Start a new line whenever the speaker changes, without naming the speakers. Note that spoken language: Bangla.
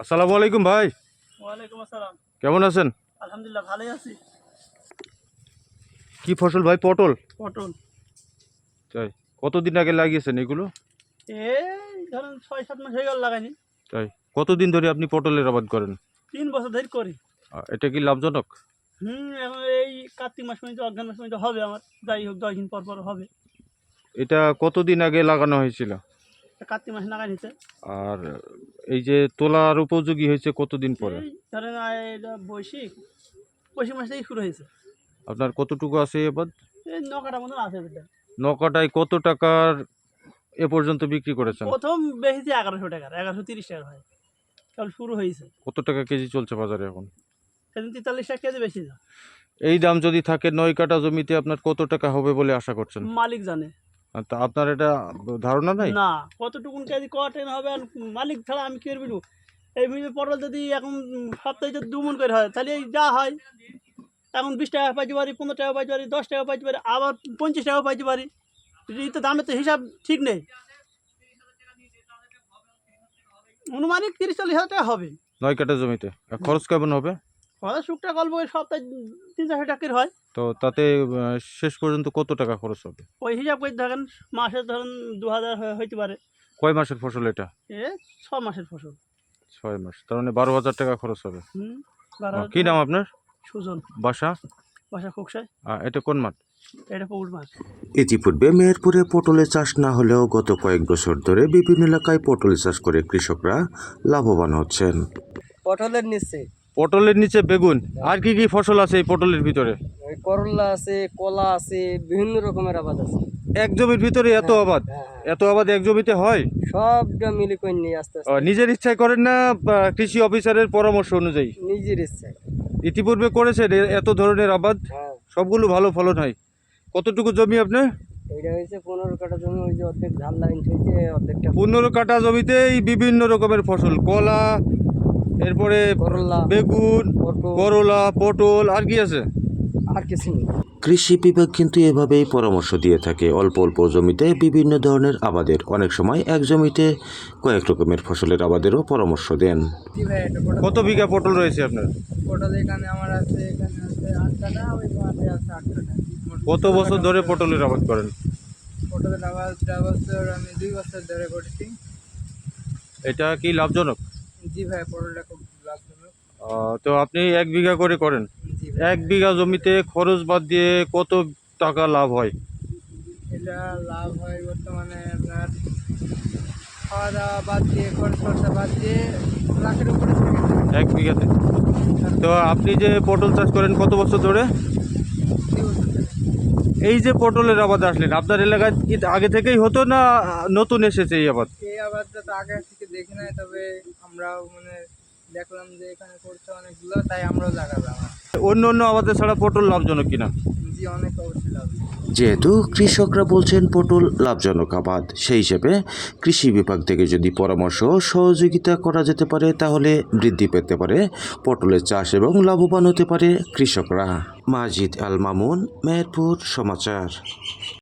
আসসালামু আলাইকুম ভাই।
ওয়ালাইকুম আসসালাম।
কেমন আছেন?
আলহামদুলিল্লাহ ভালোই আছি।
কি ফসল ভাই? পটল।
পটল
তাই কতদিন আগে লাগিয়েছেন এগুলো?
এই ধরেন ৬-৭ মাস হয়ে গেল লাগাইনি।
তাই কতদিন ধরে আপনি পটলের আবাদ করেন?
৩ বছর ধরে করি।
এটা কি লাভজনক?
এখন এই কার্তিক মাস পর্যন্ত অঘ্রান মাস পর্যন্ত হবে আমার। যাই হোক ১০ দিন পর পর হবে।
এটা কতদিন আগে লাগানো হয়েছিল?
কার্তিক মাসে লাগাই নিতে।
আর এই যে তোলার উপযোগী হয়েছে কতদিন পরে?
এই ধরেন এটা বৈশাখ মাস থেকেই শুরু হয়েছে।
আপনার কতটুকু আছে এই আবাদ?
এই ৯ কাঠা মতন আছে এটা।
নকাটায় কত টাকার এ পর্যন্ত বিক্রি করেছেন?
প্রথম বেশিছে ১১০০ টাকার, ১১৩০ টাকার হয়। কারণ শুরু হয়েছে।
কত টাকা কেজি চলছে বাজারে এখন?
সেদিন ৪৩ টাকা কেজি বেশি না।
এই দাম যদি থাকে ৯ কাঠা জমিতে আপনার কত টাকা হবে বলে আশা করছেন?
মালিক জানে।
তা আপনার এটা ধারণা নাই?
না, কতটুকুন কেজি কটেন হবে আর মালিক ছাড়া আমি কি করবি? এই পটল যদি এখন সপ্তাহে যদি ২ মণ করে হয় তাহলে এই যা হয় এখন ২০ টাকা পাইতে পারি, ১৫ টাকা পাইতে পারি, ১০ টাকা পাইতে পারি, আবার ২৫ টাকাও পাইতে পারি। এই তো দামের তো হিসাব ঠিক নেই। অনুমানিক ৩০-৪০ হাজার টাকা হবে
৯ কাঠা জমিতে। আর খরচ কেমন হবে?
শুকটা গল্প ওই সপ্তাহে ৩-৪০০ টাকার হয়।
তো তাতে শেষ পর্যন্ত কত টাকা খরচ হবে?
ওই হিসাব করে ধরেন মাসে ধরেন ২,০০০ হইতে পারে।
কয় মাসের ফসল এটা?
এ ৬ মাসের ফসল।
৬ মাস, তার মানে ১২,০০০ টাকা খরচ হবে।
১২,০০০
কি নাম আপনার?
সুজন।
বাসা?
বাসা খোকসায়।
এটা কোন মাঠ?
এটা পুকুর মাছ।
ইতিপূর্বে মেহেরপুরে পটলের চাষ না হলেও গত কয়েক বছর ধরে বিভিন্ন এলাকায় পটল চাষ করে কৃষকরা লাভবান হচ্ছেন।
পটলের নিচে
পটলের নিচে বেগুন, আর কি কি ফসল আছে এই পটলের ভিতরে?
ওই করলা আছে, কলা আছে, বিভিন্ন রকমের আবাদ আছে।
এক জমির ভিতরে এত আবাদ? এত আবাদ এক জমিতে হয়?
সবটা মিলে করে নিয়ে আস্তে আস্তে
নিজের ইচ্ছায় করেন না কৃষি অফিসারের পরামর্শ অনুযায়ী?
নিজের ইচ্ছায়।
ইতিপূর্বে করেছেন এত ধরনের আবাদ?
হ্যাঁ,
সবগুলো ভালো ফলন হয়? কতটুকু জমি আপনার?
এইটা হয়েছে ১৫ কাঠা জমি। ওই যে অর্ধেক ধান লাইন হয়েছে, অর্ধেকটা
১৫ কাঠা জমিতেই বিভিন্ন রকমের ফসল, কলা, এরপরে
করলা,
বেগুন,
পটল,
করলা, পটল, আর কি আছে?
আর কিছু নেই।
কৃষি বিভাগ কিন্তু এভাবেই পরামর্শ দিয়ে থাকে, অল্প অল্প জমিতে বিভিন্ন ধরনের আবাদের, অনেক সময় এক জমিতে কয়েক রকমের ফসলের আবাদেরও পরামর্শ দেন।
কত বিঘা পটল রয়েছে আপনার?
পটল এখানে আমার আছে, এখানে আছে ৮ কাঠা, ওই মাঠে আছে ৮ কাঠা।
কত বছর ধরে পটলের আবাদ করেন?
পটলের আবাদ বছর আমি ২ বছর ধরে করছি।
এটা কি লাভজনক?
জি ভাই, পটলটা খুব লাভজনক।
তো আপনি ১ বিঘা করে করেন।
জি
১ বিঘা জমিতে খরচ বাদ দিয়ে কত টাকা লাভ হয়?
এটা লাভ হয় বর্তমানে আপনার খাওয়া দাওয়া বাদ দিয়ে, খরচ খরচা বাদ দিয়ে লাখের উপরে থাকে।
১ বিঘাতে? তো আপনি যে পটল চাষ করেন কত বছর ধরে?
২ বছর ধরে।
এই যে পটলের আবাদ আসলেন, আপনার এলাকায় কি আগে থেকেই হতো না নতুন এসেছে এই আবাদ?
এই আবাদটা তো আগে থেকে দেখি নাই, তবে আমরাও দেখলাম যে এখানে করছে অনেকগুলো, তাই আমরাও লাগালাম।
অন্য অন্য আবাদে ছাড়া পটল লাভজনক কিনা?
জি, অনেক অবশ্যই লাভ।
যেহেতু কৃষকরা বলছেন পটল লাভজনক আবাদ, সেই হিসেবে কৃষি বিভাগ থেকে যদি পরামর্শ ও সহযোগিতা করা যেতে পারে তাহলে বৃদ্ধি পেতে পারে পটলের চাষ এবং লাভবান হতে পারে কৃষকরা। মাজিদ আল মামুন, মেহেরপুর সমাচার।